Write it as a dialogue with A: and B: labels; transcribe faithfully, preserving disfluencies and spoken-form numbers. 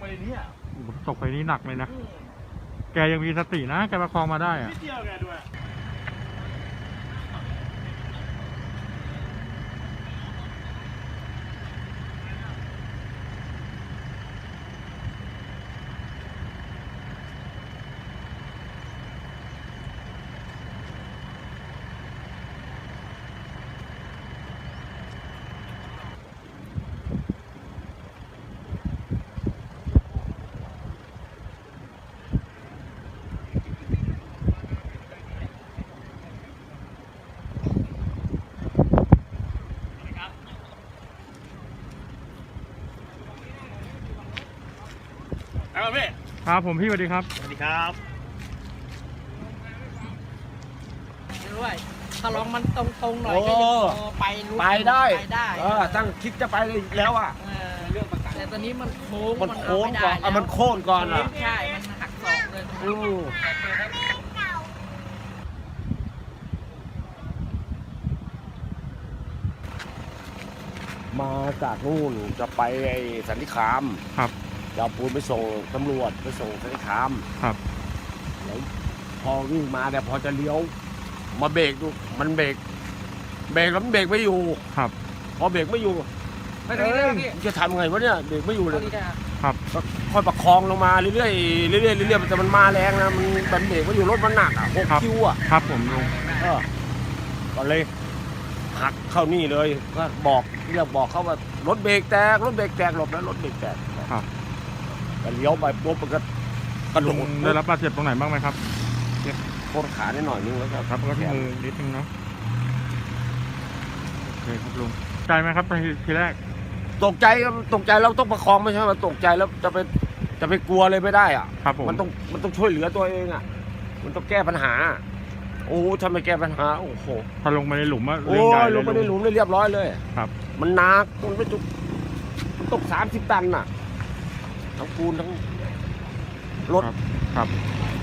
A: เนี่ย
B: ตกไปนี้หนักเลยนะแกยังมีสตินะแกประคองมาได้อะ
A: นิดเดียวแกด้วยครับพี่
B: ครับผมพี่สวัสดีครับ
A: สวัสดีครับ
C: ด้วยถ้าลองมันตรงๆหน่อยก็ยังพอไปรู้
D: ไปได้
C: ไปได้
D: เออตั้งคิดจะไปเลยแล้วอ่ะ
C: เออแต่ตอนนี้มันโค้ง
D: มันโค้ง
C: เาไม่
D: ก่อน
C: ได้
D: อ่ะมันโค่นก่อนอ่ะ
C: ใช่มันหักศอกเลย
D: อือมาจากนู่นจะไปไอ้สันติคาม
B: ครับ
D: จะเอาปูนไปส่งตำรวจไปส่งสันติคาม
B: ครับ
D: แล้วพอวิ่งมาเนี่ยพอจะเลี้ยวมาเบรกดูมันเบรกเบรกแล้วมันเบรกไม่อยู่
B: ครับ
D: พอเบรกไม่อยู่เอ้ยจะทำไงวะเนี่ยเบรกไม่อยู่เลย
B: ครับ
D: ก็ค่อยประคองลงมาเรื่อยๆเรื่อยๆเรื่อยๆแต่มันมาแรงนะมันมันเบรกไม่อยู่รถมันหนักอ่ะหกคิวอ่ะ
B: ครับผมลุง
D: เออก็เลยหักเข้านี่เลยก็บอกเรียกบอกเขาว่ารถเบรกแตกรถเบรกแตกหลบแล้วรถเบรกแตก
B: ครับ
D: ก็เลี้ยวไปปุ๊บมันก็กระโด
B: ลุง
D: ด
B: ได้รับบาดเจ็บตรงไหนบ้างไหมครับ
D: โค่นขาได้หน่อยนึงแล้วก็
B: ครับก็ที่มือนิดนึงเนาะโอเคครับลุงใจไหมครับทีทีแรก
D: ตกใจครับตกใจเราต้องประคองไม่ใช่ว่าตกใจแล้วจะไปจะไปกลัวเลยไม่ได้อ่ะ
B: ครับผม
D: มันต้องมันต้องช่วยเหลือตัวเองอ่ะมันต้องแก้ปัญหา โอ้ทำไมแก้ปัญหาโอ้โห
B: ถ้าลงไปในหลุมอะ
D: โอ้
B: เรื่องใหญ่
D: ย
B: เล
D: ล
B: ย
D: งไปในหลุมได้เรียบร้อยเลย
B: ครับ
D: มันหนักมันไม่จุกมันตกสามสิบตันน่ะทั้งปูนทั้งรถ
B: ครับครับ